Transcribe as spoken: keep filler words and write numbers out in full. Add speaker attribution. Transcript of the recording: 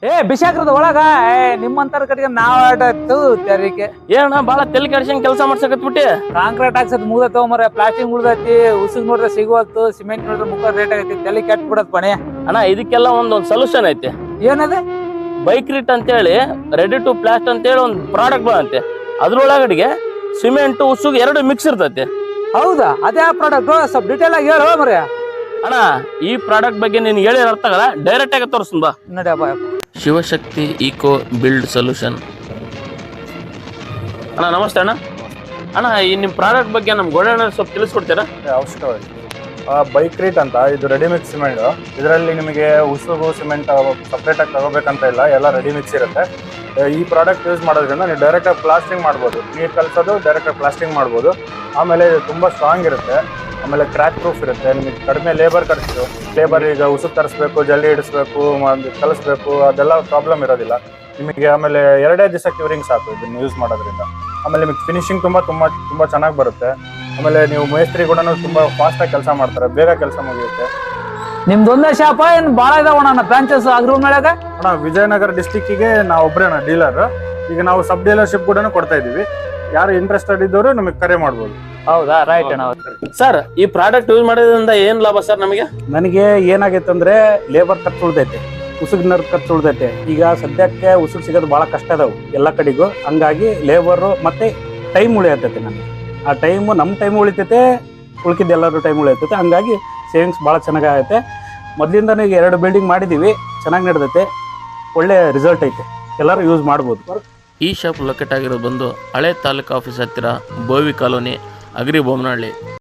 Speaker 1: ಏ ಬಿಸಾಕ್ರದ ಒಳಗ ಏ ನಿಮ್ಮಂತರ ಕಡೆಗೆ ನಾವ್ ಆಡತ್ತು ತೆರಿಗೆ
Speaker 2: ಏನ ಬಾಳ ತೆಲಿ ಕೆಡ್ಸಂಗ್ ಕೆಲಸ ಮಾಡ್ಸಕತ್ ಬಿಟ್ಟಿ.
Speaker 1: ಕಾಂಕ್ರೀಟ್ ಹಾಕ್ಸದ್ ಮುಗ್ದ ತಗೊಂಬರ ಪ್ಲಾಸ್ಟಿಕ್ ಉಳ್ದೈತಿ ಉಸುಗ್ ನೋಡ್ರೆ ಸಿಗುವತ್ತು ಸಿಮೆಂಟ್ ನೋಡ್ರೆ ಮುಖ ರೇಟ್ ಆಗೈತಿ ತಲೆ ಕೆಟ್ಟ ಬಿಡತ್ ಪಣೆ.
Speaker 2: ಅಣ್ಣ ಇದಕ್ಕೆಲ್ಲ ಒಂದೊಂದ್ ಸೊಲ್ಯೂಷನ್ ಐತಿ.
Speaker 1: ಏನದ
Speaker 2: ಬೈಕ್ರಿಟ್ ಅಂತೇಳಿ ರೆಡಿ ಟು ಪ್ಲಾಸ್ಟ್ ಅಂತೇಳಿ ಒಂದು ಪ್ರಾಡಕ್ಟ್ ಬಂದಂತೆ. ಅದ್ರೊಳಗಡೆಗೆ ಸಿಮೆಂಟ್ ಉಸುಗ್ ಎರಡು ಮಿಕ್ಸ್ ಇರ್ತೈತಿ.
Speaker 1: ಹೌದಾ ಅದೇ ಪ್ರಾಡಕ್ಟ್ ಸ್ವಲ್ಪ ಡೀಟೇಲ್ ಆಗಿ ಹೇಳು ಮರ್ಯ.
Speaker 2: ಅಣ್ಣ ಈ ಪ್ರಾಡಕ್ಟ್ ಬಗ್ಗೆ ನೀನ್ ಹೇಳಿ ಅರ್ಥ ಆಗಲ್ಲ, ಡೈರೆಕ್ಟ್ ಆಗಿ ತೋರಿಸ್ತೀನಿ ಬಾ.
Speaker 1: ನಡಿಯಪ್ಪ.
Speaker 2: Shivashakti eco build solution. ಅಣ್ಣ ನಮಸ್ತೆ ಅಣ್ಣ. ಅಣ್ಣ ಈ ನಿಮ್ಮ ಪ್ರಾಡಕ್ಟ್ ಬಗ್ಗೆ ನಮ್ ಗೋಡಣ್ಣ ಸ್ವಲ್ಪ ತಿಳಿಸ್ಕೊಡ್ತೀರಾ?
Speaker 3: ಅವಶ್ಯಕವಾಗಿ ಬೈಕ್ ರೀಟ್ ಅಂತ ಇದು ರೆಡಿ ಮಿಕ್ಸ್ ಸಿಮೆಂಟ್. ಇದರಲ್ಲಿ ನಿಮಗೆ ಉಸುಗು ಸಿಮೆಂಟ್ ಸಪ್ರೇಟಾಗಿ ತಗೋಬೇಕಂತ ಇಲ್ಲ, ಎಲ್ಲ ರೆಡಿ ಮಿಕ್ಸ್ ಇರುತ್ತೆ. ಈ ಪ್ರಾಡಕ್ಟ್ ಯೂಸ್ ಮಾಡೋದ್ರಿಂದ ನೀವು ಡೈರೆಕ್ಟಾಗಿ ಪ್ಲಾಸ್ಟಿಂಗ್ ಮಾಡ್ಬೋದು, ನೀರು ಕಲಿಸೋದು ಡೈರೆಕ್ಟಾಗಿ ಪ್ಲಾಸ್ಟಿಂಗ್ ಮಾಡ್ಬೋದು. ಆಮೇಲೆ ತುಂಬ ಸ್ಟ್ರಾಂಗ್ ಇರುತ್ತೆ, ಆಮೇಲೆ ಕ್ರ್ಯಾಕ್ ಪ್ರೂಫ್ ಇರುತ್ತೆ. ನಿಮಗೆ ಕಡಿಮೆ ಲೇಬರ್ ಖರ್ಚು, ಲೇಬರ್ ಈಗ ಉಸುಕು ತರಿಸ್ಬೇಕು, ಜಲ್ಲಿ ಇಡಿಸ್ಬೇಕು, ಕಲಿಸ್ಬೇಕು, ಅದೆಲ್ಲ ಪ್ರಾಬ್ಲಮ್ ಇರೋದಿಲ್ಲ ನಿಮಗೆ. ಆಮೇಲೆ ಎರಡೇ ದಿವಸ ಕ್ಯೂರಿಂಗ್ ಸಾಕು ಇದನ್ನು ಯೂಸ್ ಮಾಡೋದ್ರಿಂದ. ಆಮೇಲೆ ನಿಮಗೆ ಫಿನಿಶಿಂಗ್ ತುಂಬ ತುಂಬ ತುಂಬ ಚೆನ್ನಾಗಿ ಬರುತ್ತೆ. ಆಮೇಲೆ ನೀವು ಮೇಸ್ತ್ರಿ ಕೂಡ ತುಂಬ ಫಾಸ್ಟಾಗಿ ಕೆಲಸ ಮಾಡ್ತಾರೆ, ಬೇಗ ಕೆಲಸ ಮುಗಿಯುತ್ತೆ.
Speaker 1: ನಿಮ್ದೊಂದೇ ಶಾಪ ಏನ್ ಬಾಳ ಇದಾವಣ ಬ್ರಾಂಚಸ್ ಅಗ್ರ ಮೇಳಗ?
Speaker 3: ಅಣ್ಣ ವಿಜಯನಗರ ಡಿಸ್ಟಿಕ್ಕಿಗೆ ನಾವು ಒಬ್ಬರೇ ಅಣ್ಣ ಡೀಲರ್. ಈಗ ನಾವು ಸಬ್ ಡೀಲರ್ಶಿಪ್ ಕೂಡ ಕೊಡ್ತಾ ಇದ್ದೀವಿ. ಯಾರು ಇಂಟ್ರೆಸ್ಟೆಡ್ ಇದ್ದವರು ನಮಗೆ ಕರೆ ಮಾಡ್ಬೋದು.
Speaker 1: ಹೌದಾ, ರೈಟ್ ಅಣ್ಣ.
Speaker 2: ಸರ್ ಈ ಪ್ರಾಡಕ್ಟ್ ಯೂಸ್ ಮಾಡೋದ್ರಿಂದ ಏನ್ ಲಾಭ ಸರ್ ನಮಗೆ?
Speaker 4: ನನಗೆ ಏನಾಗೈತೆ ಅಂದ್ರೆ ಲೇಬರ್ ಖರ್ಚು ಉಳ್ದೈತೆ, ಉಸುಗಿನ ಖರ್ಚು ಉಳ್ದೈತೆ. ಈಗ ಸದ್ಯಕ್ಕೆ ಉಸುಗ್ ಸಿಗೋದು ಭಾಳ ಕಷ್ಟ ಅದಾವು ಎಲ್ಲ ಕಡೆಗೂ. ಹಂಗಾಗಿ ಲೇಬರು ಮತ್ತೆ ಟೈಮ್ ಉಳಿಯತೈತೆ ನನಗೆ. ಆ ಟೈಮು ನಮ್ಮ ಟೈಮ್ ಉಳಿತೈತೆ, ಉಳ್ಕಿದ್ದು ಎಲ್ಲರೂ ಟೈಮ್ ಉಳಿಯತೈತೆ. ಹಂಗಾಗಿ ಸೇವಿಂಗ್ಸ್ ಭಾಳ ಚೆನ್ನಾಗೈತೆ. ಮೊದಲಿಂದನೇ ಈಗ ಎರಡು ಬಿಲ್ಡಿಂಗ್ ಮಾಡಿದ್ದೀವಿ, ಚೆನ್ನಾಗಿ ನಡೆದೈತೆ, ಒಳ್ಳೆ ರಿಸಲ್ಟ್ ಐತೆ, ಎಲ್ಲರೂ ಯೂಸ್ ಮಾಡ್ಬೋದು.
Speaker 2: ಈ ಶಾಪ್ ಲೊಕೇಟ್ ಆಗಿರೋದು ಬಂದು ಹಳೆ ತಾಲೂಕು ಆಫೀಸ್ ಹತ್ತಿರ ಬೋವಿ ಕಾಲೋನಿ, ಅಗ್ರಿ ಬೊಮ್ಮನಹಳ್ಳಿ.